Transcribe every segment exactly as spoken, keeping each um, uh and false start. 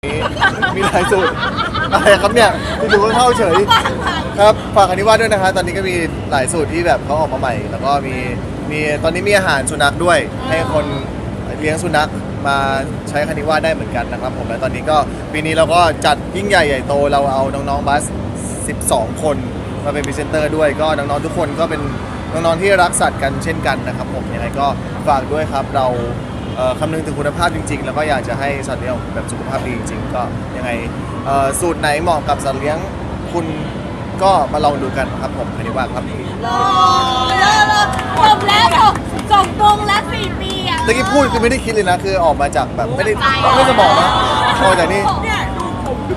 มีหลายสูตรอะไรครับเนี่ยที่ดูเข้าเฉยครับฝากคณิวาสด้วยนะคะตอนนี้ก็มีหลายสูตรที่แบบเขาออกมาใหม่ แล้วก็มีมีตอนนี้มีอาหารสุนัขด้วยให้คนเลี้ยงสุนัขมาใช้คณิวาสได้เหมือนกันนะครับผมและตอนนี้ก็ปีนี้เราก็จัดยิ่งใหญ่ใหญ่โตเราเอาน้องๆบัสสิบสองคนมาเป็นพรีเซนเตอร์ด้วยก็น้องๆทุกคนก็เป็นน้องๆที่รักสัตว์กันเช่นกันนะครับผมยังไงก็ฝากด้วยครับเราเอ่อคำนึงถึงคุณภาพจริงๆ แล้วก็อยากจะให้สัตว์เลี้ยงแบบสุขภาพดีจริงๆก็ยังไงเอ่อสูตรไหนเหมาะกับสัตว์เลี้ยงคุณก็มาลองดูกันครับผมคณิวาสครับรอรอรอจบแล้วจบจบวงแล้วสี่ปีอ่ะตะกี้พูดคือไม่ได้คิดเลยนะคือออกมาจากแบบไม่ได้ไม่จะบอกนะออกจากนี่เนี่ยดูผมดู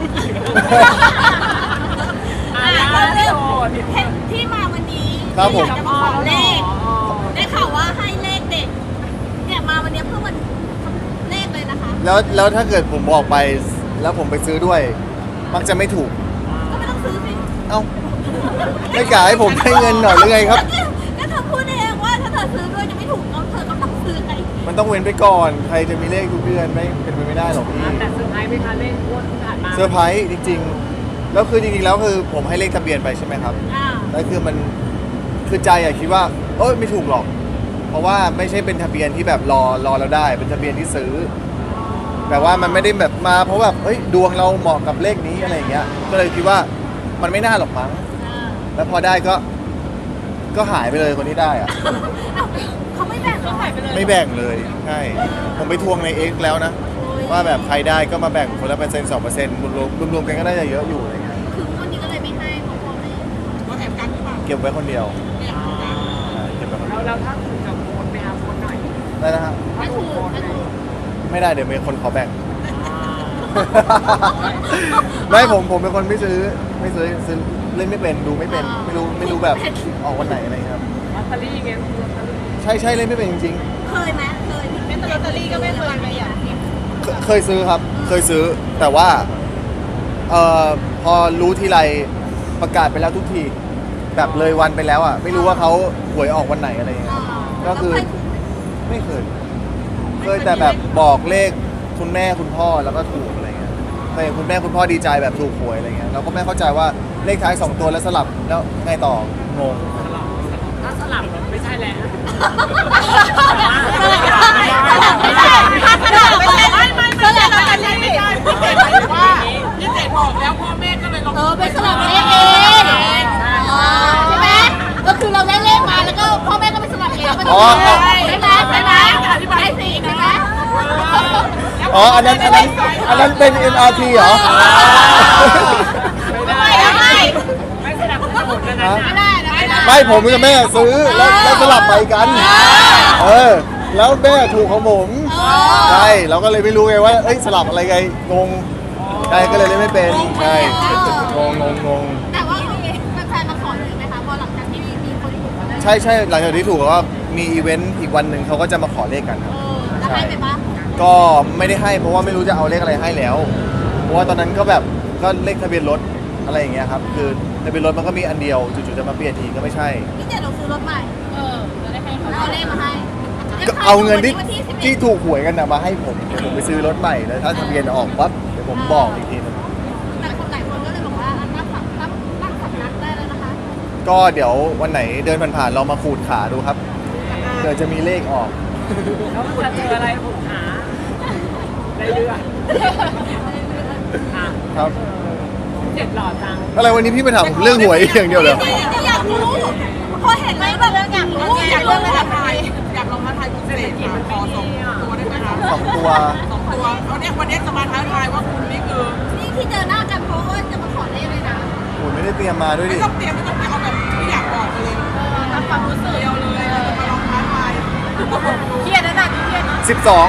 อ่าเรื่องที่มาวันนี้ครับผมอยากจะมาขอเลขได้ข่าวว่าให้เลขเด็กเนี่ยมาวันนี้เพื่อมันเลขเลยนะคะแล้วแล้วถ้าเกิดผมบอกไปแล้วผมไปซื้อด้วย มักจะไม่ถูกก็ไม่ต้องซื้อสิเอ้าไม่กะให้ผมให้เงินหน่อยหรือไงครับก็เธอพูดเองว่าถ้าเธอซื้อด้วยจะไม่ถูกแล้วเธอก็ต้องซื้อไงมันต้องเว้นไปก่อนใครจะมีเลขทุกเดือนไม่เป็นไปไม่ได้หรอกพี่แต่เซอร์ไพรส์ไหมคะเล่นงวดที่ผ่านมาเซอร์ไพรส์จริงๆแล้วคือจริงๆแล้วคือผมให้เลขทะเบียนไปใช่ไหมครับอ่าแล้วคือมันคือใจอะคิดว่าเอ้ยไม่ถูกหรอก เพราะว่าไม่ใช่เป็นทะเบียนที่แบบรอรอเราได้ เป็นทะเบียนที่ซื้อแบบว่ามันไม่ได้แบบมาเพราะแบบเอ้ยดวงเราเหมาะกับเลขนี้อะไรอย่างเงี้ยก็เลยคิดว่ามันไม่น่าหรอกมั้งอ่าแล้วพอได้ก็ก็หายไปเลยคนที่ได้อะเอ้าเขาไม่แบ่งเขาหายไปเลยไม่แบ่งเลยใช่ผมไปทวงใน X แล้วนะ ว่าแบบใครได้ก็มาแบ่งคนละเปอร์เซ็นต์สองเปอร์เซ็นต์รวมรวมๆกันก็น่าจะเยอะอยู่อะไรเงี้ยคือวันนี้ก็เลยไม่ให้เพราะพ่อแม่ก็แอบกันหรือเปล่าเก็บไว้คนเดียวใช่เก็บไว้คนเดีแล้ยว วแล้วถ้าคุณจะโพสต์ไหมคะโพสต์หน่อยได้นะฮะไม่ถูกไม่ถูกไม่ได้เดี๋ยวมีคนขอแบ่ง ไม่ผมผมเป็นคนไม่ซื้อไม่ซื้อซื้อเล่นไม่เป็นดูไม่เป็นไม่รู้ไม่รู้แบบออกวันไหนอะไรเงี้ยครับลอตเตอรี่ไงลอตเตอรี่ใช่ใช่เล่นไม่เป็นจริงเคยไหมเคยเป็นลอตเตอรี่ก็ไม่เคยไหมอ่ะๆเคเคยซื้อครับ เคยซื้อแต่ว่าเอ่อพอรู้ทีไรประกาศไปแล้วทุกทีแบบเลยวันไปแล้วอ่ะไม่รู้ว่าเขาหวยออกวันไหนอะไรเงี้ย ก็คือ ไม่เคย เคยแต่แบบบอกเลขคุณแม่คุณพ่อแล้วก็ถูกอะไรเงี้ยเคยคุณแม่คุณพ่อดีใจแบบถูกหวยอะไรเงี้ยเราก็ไม่เข้าใจว่าเลขท้ายสองตัวแล้วสลับแล้วไงต่องงถ้าสลับไม่ใช่แล้วไม่ได้ถ้าสลับไม่ใช่ไม่ไม่สลับลอตเตอรี่พี่เจ็ดหมายถึงว่าพี่เจ็ดบอกแล้วพ่อแม่ก็เลยลงเออไปสลับเลขเองอ๋อใช่ไหมก็คือเราได้เลขมาแล้วก็พ่อแม่ก็ไปสลับเองใช่ไหมใช่ไหมใช่ไหมอธิบายสิใช่ไหมอ๋ออันนั้นอันนั้นอันนั้นเป็น เอ็ม อาร์ ที เหรอไม่ได้ไม่ไม่สลับกันหมดเลยนะไม่ได้นะไม่ได้ไม่ผมกับแม่ซื้อแล้วแล้วสลับไปกัน เออ แล้วแม่ถูกของผมใช่เราก็เลยไม่รู้ไงว่าเอ้ยสลับอะไรไงงงใช่ก็เลยเล่นไม่เป็นใช่งงงงงงแต่ว่ามีแฟนๆมาขอเลยไหมคะพอหลังจากที่มีคนถูกมาแล้วใช่ใช่หลังจากที่ถูกก็มีอีเวนต์อีกวันหนึ่งเขาก็จะมาขอเลขกันครับจะให้ไปปะก็ไม่ได้ให้เพราะว่าไม่รู้จะเอาเลขอะไรให้แล้ว เพราะว่าตอนนั้นก็แบบก็เลขทะเบียนรถอะไรอย่างเงี้ยครับคือทะเบียนรถมันก็มีอันเดียวจู่ๆจะมาเปลี่ยนทีก็ไม่ใช่พี่เจเราซื้อรถใหม่เออจะได้ให้เขาเอาเลขมาให้ก็เอาเงินที่วันที่สิบเอ็ที่ดถูกหวยกันนะมาให้ผมเดี๋ยวผมไปซื้อรถใหม่แล้วถ้าทะเบียนออกปั๊บเดี๋ยวผมบอกอีกทีนึงแต่คนหลายคนก็เลยบอกว่าตั้งสำตั้งตั้งสำนักได้แล้วนะคะก็เดี๋ยววันไหนเดินผ่านๆเรามาขูดขาดูครับเผื่อจะมีเลขออกแล้วคุณเจออะไรผมหาได้เรื่อยอ่ะครับเจ็ดหล่อจังอะไรวันนี้พี่มาถามผมเรื่องหวยอย่างเดียวเหรออยากรู้พอเห็นแล้วแบบอยากรู้อยากรู้ว่าทำไมอยากลองท้าทายคุณเสน่ห์ค่ะขอสองตัวได้ไหมคะสองตัวสองตัวเอาเนี่ยวันนี้จะมาท้าทายว่าคุณนี่คือนี่ที่เจอหน้ากันเพราะว่าจะมาขอเลขเลยนะโอ้ยไม่ได้เตรียมมาด้วยไม่ดิต้องเตรียมไม่ต้องเตรียมเอาแบบที่อยากบอกไปเลยทำความรู้สึกเดียวเลยจะมาลองท้าทายเครียดนะน่ะเครียดนะสิบสอง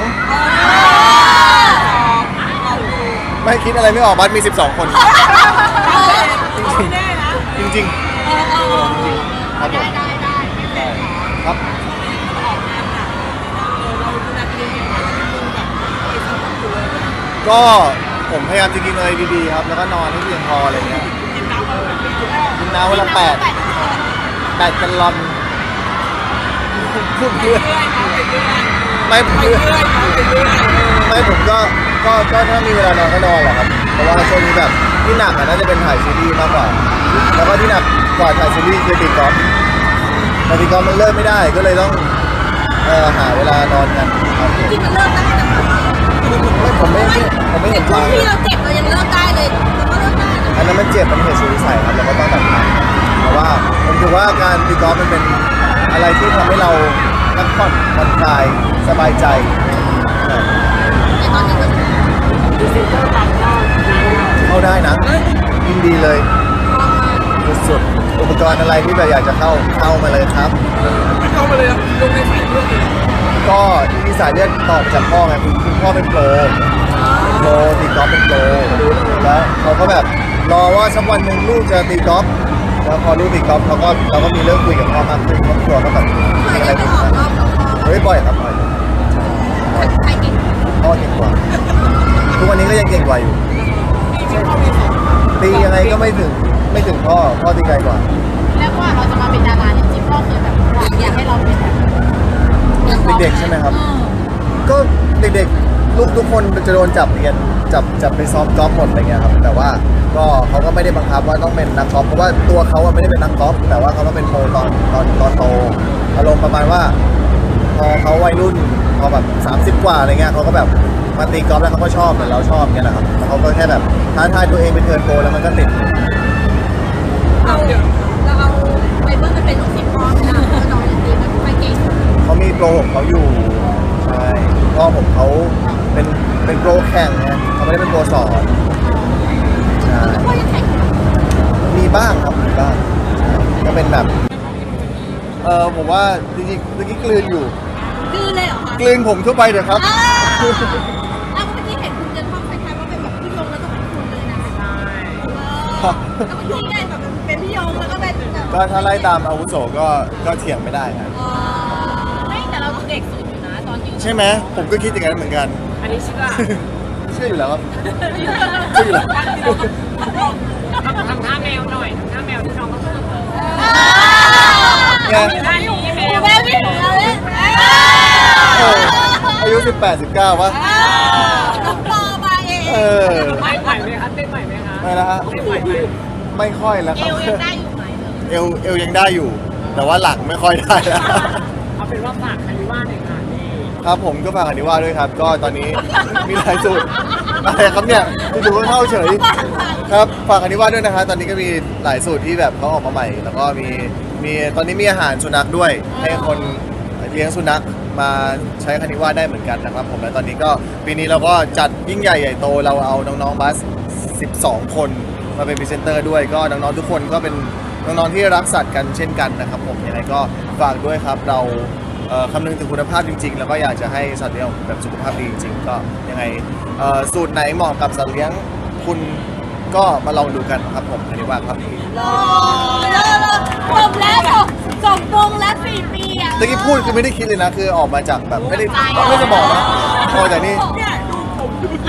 ไม่คิดอะไรไม่ออกบัสมีสิบสองคนไม่แน่นะจริงๆจริงๆครับผมได้ได้ได้ได้ครับออกงานหนักเออเราดูแลตัวเองยังไงให้ดูแบบไม่สมบูรณ์อยู่เลยก็ผมพยายามจะกินอะไรดีๆครับ แล้วก็นอนให้เพียงพออะไรเงี้ยกินน้ำมาแบบนี้กินน้ำวันละแปดแปดแกลลอนพูดเพื่อเรื่อยๆนะไปเรื่อยไม่ผมๆไปเรื่อยๆไปเรื่อยไม่ผมก็พก็ก็ถ้ามีเวลานอนก็นอนแหละครับเพราะว่าช่วงนี้แบบที่หนักอะน่าจะเป็นถ่ายซีรีส์มากกว่า แล้วก็ที่หนักกว่าถ่ายซีรีส์คือตีกอล์ฟแต่ตีกอล์ฟมันเลิกไม่ได้ก็เลยต้องเอ่อหาเวลานอนกันครับจริงๆมันเลิกได้นะคะไม่ผมไม่ผมไม่เห็นช่วทาง งที่เราเจ็บเรายังเลิกได้เลยเราก็เลิกได้นะอันนั้นมันเจ็บมันเหตุสุดวิสัยครับเราก็ต้องตัดทางเพราะว่าผมถือว่าการตีกอล์ฟมันเป็นอะไรที่ทำให้เราพักผ่อนผ่อนคลายสบายใจครับแต่ตอนนี้ก็ดิจิตอลปั๊มก็เข้าได้นะยินดีเลยสุดๆอุปกรณ์อะไรที่แบบอยากจะเข้าเข้ามาเลยครับไม่เข้ามาเลยอะลงในสายเลือดเลยก็ที่มีสายเลือดต่อมาจากพ่อไงคุณคุณพ่อเป็นโปรเป็นโปรตีกอล์ฟเป็นโปรแล้วเขาก็แบบรอว่าสักวันหนึ่งลูกจะตีกอล์ฟแล้วพอลูกตีกอล์ฟเขาก็เราก็มีเรื่องคุยกับพ่อมากขึ้นครอบครัวก็แบบเคยมีอะไรได้ไปคุยออกกันรอบกับพ่อเฮ้ยบ่อยครับบ่อยบ่อยใครเก่งพ่อเก่งกว่าทุกวันนี้ก็ยังเก่งกว่าอยู่มีที่เข้ามีสองตียังไงก็ไม่ถึงไม่ถึงพ่อพ่อตีไกลกว่าแล้วว่าเราจะมาเป็นดาราจริงๆพ่อเคยแบบหวังอยากให้เราเป็นแบบเด็กๆใช่ไหมครับ ก็เด็กๆลูกทุกคนจะโดนจับเรียนจับจับไปซ้อมกอล์ฟหมดอะไรเงี้ยครับแต่ว่าก็เขาก็ไม่ได้บังคับว่าต้องเป็นนักกอล์ฟเพราะว่าตัวเขาอะไม่ได้เป็นนักกอล์ฟแต่ว่าเขามาเป็นโปรตอนตอนตอนโตอารมณ์ประมาณว่า พอเขาวัยรุ่นพอแบบสามสิบกว่าอะไรเงี้ยเขาก็แบบมาตีกอล์ฟแล้วเขาก็ชอบเหมือนเราชอบเงี้ยแหละครับแล้วเขาก็แค่แบบท้าทายตัวเองเป็นเทิร์นโปรแล้วมันก็ติดเราเราเอาไปเบิ้ลมันเป็นลูกศิษย์พ่อไม่ได้ก็น้องยังตีมันไม่เก่งเขามีโปรของเขาอยู่ใช่พ่อผมเขาเป็นเป็นโปรแข่งไงเขาไม่ได้เป็นโปรสอนใช่พ่อยังแข่งมีบ้างครับมีบ้างก็เป็นแบบเออผมว่าจริงๆเมื่อกี้กลืนอยู่ดื้อเลยเหรอคะกลืนผมทั่วไปเถอะครับอ้าวอ้าวเมื่อกี้เห็นคุณเดินห้องคล้ายๆว่าเป็นแบบพี่ยงแล้วก็เป็นคุณเลยนะใช่แล้วเมื่อกี้ได้แบบเป็นพี่ยงแล้วก็เป็นแบบก็ถ้าไล่ตามอาวุโสก็ก็เถียงไม่ได้นะไม่แต่เราเด็กสุดอยู่นะตอนยืนใช่ไหมผมก็คิดอย่างนั้นเหมือนกันอันนี้เชื่อเชื่ออยู่แล้วครับเชื่ออยู่แล้วทำทำท่าแมวหน่อยทำท่าแมวที่น้องเขาพูดไงท่านี้แมวแม่พี่ของเราเนี่ยเอออายุสิบแปด สิบเก้าวะต้องรอมาเองเออไม่ไหวไหมคะเต้นไหวไหมคะไม่ละฮะเต้นไหวไหมไม่ค่อยแล้วเอครับวยังได้อยู่ไหมเอวเอวยังได้อยู่ แต่ว่าหลังไม่ค่อยได้แล้วเอาเป็นว่าฝากคาริว่าหน่อยค่ะนี่ครับผมก็ฝากอนิว่าด้วยครับ ก็ตอนนี้มีหลายสูตรอะไรครับเนี่ยดูว่าเท่าเฉยครับฝากอนิว่าด้วยนะครับตอนนี้ก็มีหลายสูตรที่แบบเขาออกมาใหม่ แล้วก็มีมีตอนนี้มีอาหารสุนัขด้วย ให้คนเลี้ยงสุนัขมาใช้คานิว่าได้เหมือนกันนะครับผมและตอนนี้ก็ปีนี้เราก็จัดยิ่งใหญ่ใหญ่โตเราเอาน้องๆบัสสิบสองคนมาเป็นพรีเซนเตอร์ด้วยก็น้องๆทุกคนก็เป็นน้องๆที่รักสัตว์กันเช่นกันนะครับผมยังไงก็ฝากด้วยครับเรา เอ่อคำนึงถึงคุณภาพจริงๆ แล้วก็อยากจะให้สัตว์เลี้ยงแบบสุขภาพดีจริงๆ ก็ยังไงเอ่อสูตรไหนเหมาะกับสัตว์เลี้ยงคุณก็มาลองดูกันครับผมอันนี้ว่าครับรอรอรอจบแล้วจบจบวงแล้วสี่ปีอ่ะตะกี้พูดคือไม่ได้คิดเลยนะ คือออกมาจากแบบไม่ได้ไม่จะบอกนะออกจากนี่เนี่ยดูผมดูดี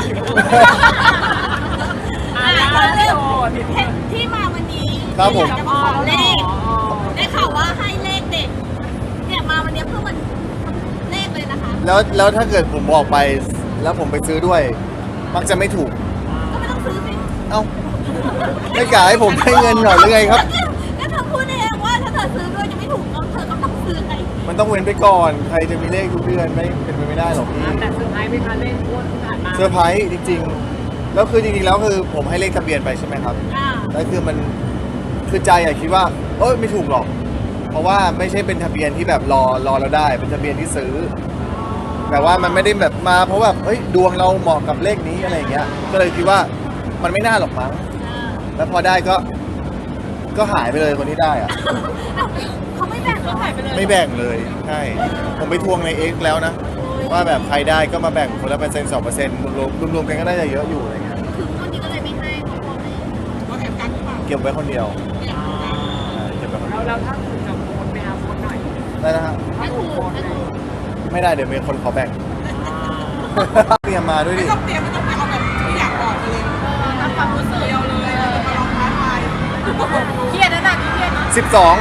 อ่าแล้วพี่โอพี่เห็นที่มาวันนี้ครับผมอยากจะมาขอเลขได้ข่าวว่าให้เลขเด็กเนี่ยมาวันนี้เพื่อมันเลขเลยนะคะแล้วแล้วถ้าเกิดผมบอกไปแล้วผมไปซื้อด้วย มักจะไม่ถูกก็ไม่ต้องซื้อสิเอ้าไม่กะให้ผมให้เงินหน่อยหรือไงครับก็เธอพูดเองว่าถ้าเธอซื้อด้วยจะไม่ถูกก็เธอก็ต้องซื้อไงมันต้องเว้นไปก่อน ใครจะมีเลขทุกเดือนไม่เป็นไปไม่ได้หรอกพี่แต่สุดท้ายไม่คะเล่นอ้วนที่ผ่านมาเซอร์ไพรส์จริงๆ แล้วคือจริงๆ แล้วคือผมให้เลขทะเบียนไปใช่ไหมครับอ่าแล้วคือมันคือใจอะคิดว่าเอ้ยไม่ถูกหรอก เพราะว่าไม่ใช่เป็นทะเบียนที่แบบรอรอเราได้ เป็นทะเบียนที่ซื้อ แต่ว่ามันไม่ได้แบบมาเพราะแบบเฮ้ยดวงเราเหมาะกับเลขนี้อะไรอย่างเงี้ย ก็เลยคิดว่ามันไม่น่าหรอกมั้ง แล้วพอได้ก็ก็หายไปเลยคนที่ได้อะเขาไม่แบ่งเขาหายไปเลยไม่แบ่งเลยใช่ผมไปทวงในเอ็กแล้วนะ ว่าแบบใครได้ก็มาแบ่งคนละเปอร์เซ็นต์สองเปอร์เซ็นต์รวมๆรวมๆกันก็ได้จะเยอะอยู่อะไรเงี้ยถึงวันนี้ก็เลยไม่ให้เขาบอกเลยว่าแอบกันหรือเปล่าเก็บไว้คนเดียวเนี่ยใช่เก็บไว้คนแล้เดียววแล้วถ้าคุณจะโพสต์ไปหาโพสต์หน่อยได้นะฮะไม่ถูกไม่ถูกไม่ได้เดี๋ยวมีคนขอแบ่ง เตรียมมาด้วยไม่ดิต้องเตรียมไม่ต้องไปเอาแบบที่อยากบอกไปเลยทำความรู้สึกเดียวเลยเราจะมาลองท้าทายเครียดนะน่ะเครียดนะสิบสอง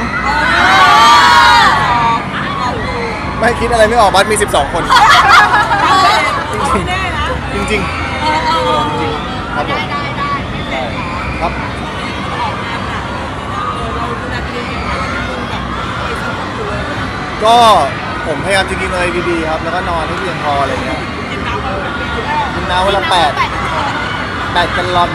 ไม่คิดอะไรไม่ออกบัสมีสิบสองคนไม่แน่นะจริงเออครับผมได้ได้ได้ใช่ครับออกงานหนักเออเราดูแลตัวเองยังไงให้มันแบบไอ้สังคมอยู่เลยก็ผมพยายามจะกินอะไรดีๆครับ แล้วก็นอนให้เพียงพออะไรเงี้ยกินน้ำอะไรแบบนี้กินน้ำวันละแปดแปดแกลลอน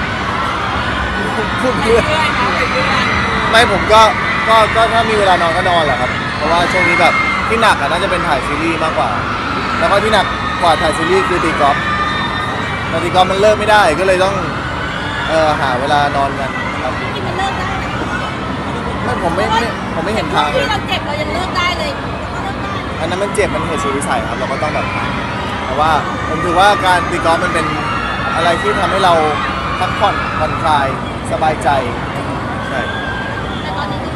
พูดเพื่อเรื่อยๆน้ำไปเรื่อยไม่ผมก็ก็ก็ถ้ามีเวลานอนก็นอนแหละครับ เพราะว่าช่วงนี้แบบที่หนักอะน่าจะเป็นถ่ายซีรีส์มากกว่า แล้วก็ที่หนักกว่าถ่ายซีรีส์คือตีกอล์ฟแต่ตีกอล์ฟมันเลิกไม่ได้ก็เลยต้องเอ่อหาเวลานอนกันครับจริงๆมันเลิกได้นะไม่ผมไม่ไม่ผมไม่เห็นทางเลที่ยเราเจ็บเรายังเลิกได้เลยก็เลิกได้อันนั้นมันเจ็บมันเหตุสุดวิสัยครับเราก็ต้องแบบแต่ว่าผมถือว่าการตีกอล์ฟมันเป็นอะไรที่ทำให้เราพักผ่อนผ่อนคลายสบายใจใช่แต่ตอนนี้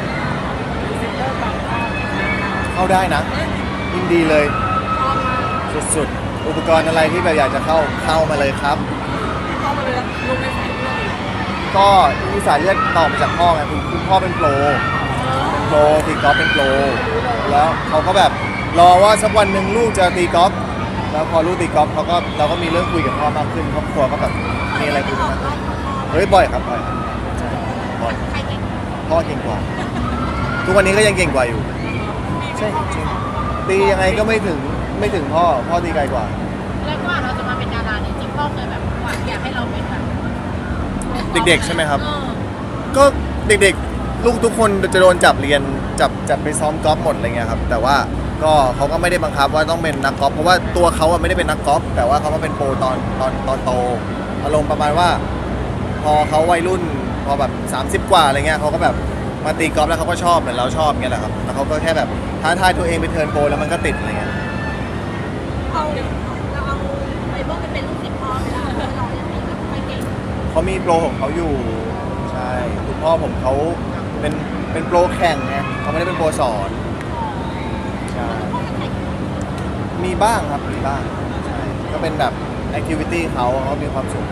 เข้าได้นะยินดีเลยสุดๆอุปกรณ์อะไรที่แบบอยากจะเข้าเข้ามาเลยครับๆเข้ามาเลยลงในสายเลือดก็มีสายเลือดต่อมาจากพ่อไงคุณคุณพ่อเป็นโปรเป็นโปรตีกอล์ฟเป็นโปรแล้วเขาก็แบบรอว่าสักวันหนึ่งลูกจะตีกอล์ฟแล้วพอลูกตีกอล์ฟเขาก็เราก็มีเรื่องคุยกับพ่อมากขึ้นครอบครัวก็แบบมีอะไรคุยกันมากขึ้นเฮ้ยบ่อยครับบ่อยครับใช่บ่อยใครเก่งพ่อเก่งกว่า ทุกวันนี้ก็ยังเก่งกว่าอยู่ใช่จริงตียังไงก็ไม่ถึงไม่ถึงพ่อพ่อตีไกลกว่าแล้วกว่าเราจะมาเป็นดาราเนี่ยจริงพ่อเคยแบบหวังอยากให้เราเป็นแบบเด็กๆใช่ไหมครับเออก็เด็กๆ ลูกทุกคนจะโดนจับเรียนจับจับไปซ้อมกอล์ฟหมดอะไรเงี้ยครับแต่ว่าก็เขาก็ไม่ได้บังคับว่าต้องเป็นนักกอล์ฟเพราะว่าตัวเขาอะไม่ได้เป็นนักกอล์ฟแต่ว่าเขาก็เป็นโปรตอนตอนตอนโตอารมณ์ประมาณว่า พอเขาวัยรุ่นพอแบบสามสิบกว่าอะไรเงี้ยเขาก็แบบมาตีกอล์ฟแล้วเขาก็ชอบเหมือนเราชอบเงี้ยแหละครับแล้วเขาก็แค่แบบท้าทายตัวเองไปเทิร์นโปรแล้วมันก็ติดอะไรเงี้ยเอาเราเอาไอ้พวกไปเป็นลูกศิษย์พ่อไปแล้วเรายังไม่ค่อยเก่งเขามีโปรของเขาอยู่ใช่คุณพ่อผมเขาเป็นเป็นโปรแข่งไงเขาไม่ได้เป็นโปรสอนใช่ มีบ้างครับ มีบ้างใช่ก็เป็นแบบแอคทิวิตี้เขาเขามีความสุข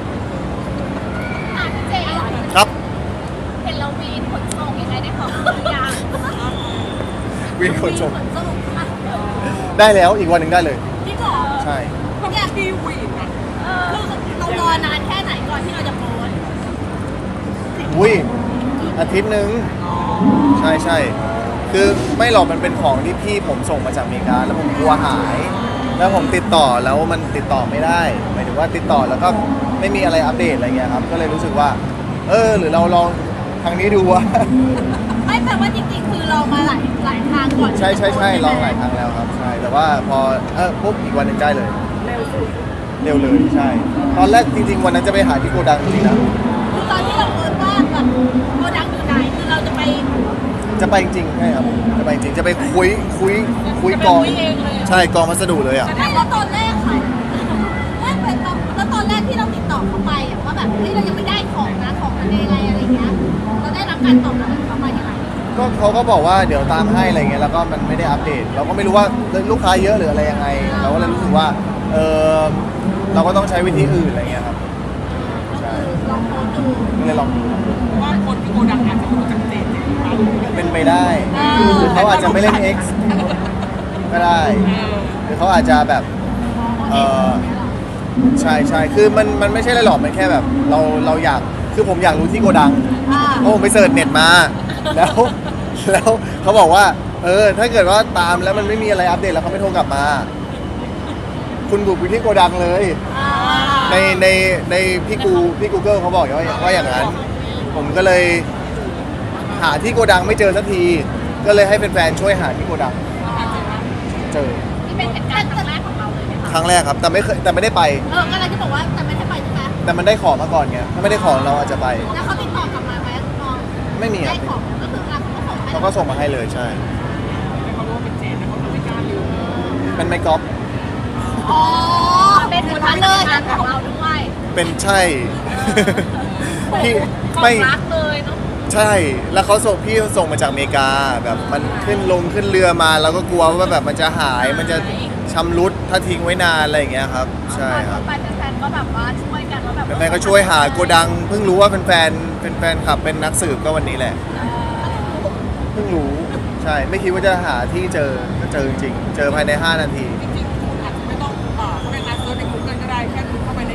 อ่ะเจ๊ครับเห็นเราวีนขนส่งยังไงได้ของทุกอย่างวินคนชมขนส่งอ่ะได้แล้วอีกวันหนึ่งได้เลยที่ก่อใช่เนี่ยที่วีนอะเออเรารอนานแค่ไหนก่อนที่เราจะโพสต์อุ้ยอาทิตย์หนึ่งใช่ใช่คือไม่หรอกมันเป็นของที่พี่ผมส่งมาจากอเมริกา แล้วผมกลัวหาย แล้วผมติดต่อแล้วมันติดต่อไม่ได้หมายถึงว่าติดต่อแล้วก็ไม่มีอะไรอัปเดตอะไรเงี้ยครับก็เลยรู้สึกว่า เออหรือเราลองทางนี้ดูวะไม่แปลว่าจริงๆคือเรามาหลายหลายทางก่อนใช่ใช่ใช่ลองหลายครั้งแล้วครับใช่แต่ว่าพอเออปุ๊บอีกวันหนึ่งได้เลยเร็วสุดเร็วเลยใช่ ตอนแรกจริงๆ วันนั้นจะไปหาที่โกดังจริงๆนะคือตอนที่เราโพสต์ว่าแบบโกดังอยู่ไหนคือเราจะไปจะไปจริงๆใช่ครับจะไปจริงจะไปคุยคุยคุยกองจะไปคุยเองเลยใช่กองพัสดุเลยอ่ะไม่แล้วตอนแรกค่ะไม่เป็นตอนแล้วตอนแรกที่เราติดต่อเขาไปอะว่าแบบเฮ้ยเรายังไม่ได้ของนะของมันยังไงอะไรเงี้ยเราได้รับการตอบรับจากเขามายังไงก็เขาก็บอกว่าเดี๋ยวตามให้อะไรเงี้ยแล้วก็มันไม่ได้อัปเดต เราก็ไม่รู้ว่าลูกค้าเยอะหรืออะไรยังไง เราก็เลยรู้สึกว่าเออเราก็ต้องใช้วิธีอื่นอะไรเงี้ยครับใช่ลองโพสต์ดูก็เลยลองดูว่าคนที่โกดังอาจจะรู้จักเจนเนี่ยครับเป็นไปได้หรือเขาอาจจะไม่เล่น X ก็ได้ หรือเขาอาจจะแบบเออใช่ใช่คือมันมันไม่ใช่อะไรหรอกมันแค่แบบเราเราอยากคือผมอยากรู้ที่โกดังอ่าเพราะผมไปเสิร์ชเน็ตมา แล้วแล้วเขาบอกว่า เออ ถ้าเกิดว่าตามแล้วมันไม่มีอะไรอัปเดตแล้วเขาไม่โทรกลับมา คุณบุกไปที่โกดังเลยอ่าในในในพี่กูพี่กูเกิลเขาบอกว่าว่าอย่างนั้น ผมก็เลยหาที่โกดังไม่เจอสักที ก็เลยให้แฟนๆช่วยหาที่โกดัง เจอนี่เป็นเหตุการณ์ครั้งแรกของเราเลยไหมคะครั้งแรกครับ แต่ไม่เคยแต่ไม่ได้ไปเออก็เลยที่บอกว่าแต่ไม่ได้ไปใช่ไหมแต่มันได้ของมาก่อนไงถ้าไม่ได้ของเราอาจจะไปแล้วเขาติดต่อกลับมาไหมน้องไม่มีคได้รับของก็คือเราก็ส่งให้เขาก็ส่งมาให้เลยใช่เขารู้ว่าเป็นเจนแต่เขาไม่กล้าลืมเป็นไมค์กอล์ฟอ๋อเป็นเหมือนกันเลยของเราด้วยเป็นใช่ พี่ของไม่รักเลยเนาะใช่ แล้วเขาส่งพี่เขาส่งมาจากอเมริกาแบบมันขึ้นลงขึ้นเรือมาเราก็กลัวว่าแบบมันจะหายมันจะชำรุดถ้าทิ้งไว้นานอะไรอย่างเงี้ยครับ ใช่ครับไปแฟนๆก็แบบว่าช่วยกันว่าแบบแฟนๆก็ช่วยหาโกดัง เพิ่งรู้ว่าเป็นแฟนเป็นแฟนขับเป็นนักสืบก็วันนี้แหละ เพิ่งรู้ใช่ไม่คิดว่าจะหาที่เจอก็เจอจริงๆเจอภายในห้านาทีจริงๆคุณอาจจะไม่ต้องเอ่อเข้าไปนัดเซิร์ชใน Google ก็ได้แค่คุณเข้าไปใน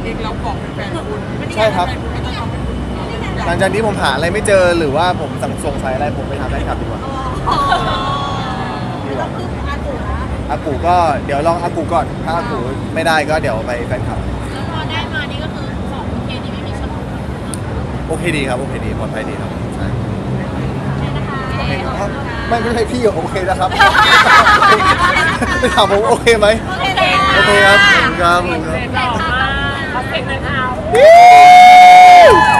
เองเราบอกแฟนคุณใช่ครับไม่ต้องเอาไปคุณหลังจากนี้ผมหาอะไรไม่เจอหรือว่าผมสั่งสงสัยอะไรผมไปถามแฟนคลับดีกว่าดีกว่าอากูก็เดี๋ยวลองอากูก่อนถ้าอากูไม่ได้ก็เดี๋ยวไปแฟนคลับแล้วพอได้มานี่ก็คือของโอเคดีไม่มีชนโอเคดีครับโอเคดีปลอดภัยดีครับใช่นะคะโอเคครับไม่ไม่ใช่พี่โอเคนะครับไปถามผมโอเคไหมโอเคเลยโอเคครับขอบคุณครับขอบคุณครับเสร็จหล่อมากเขาเสร็จเลยค่ะ Woo!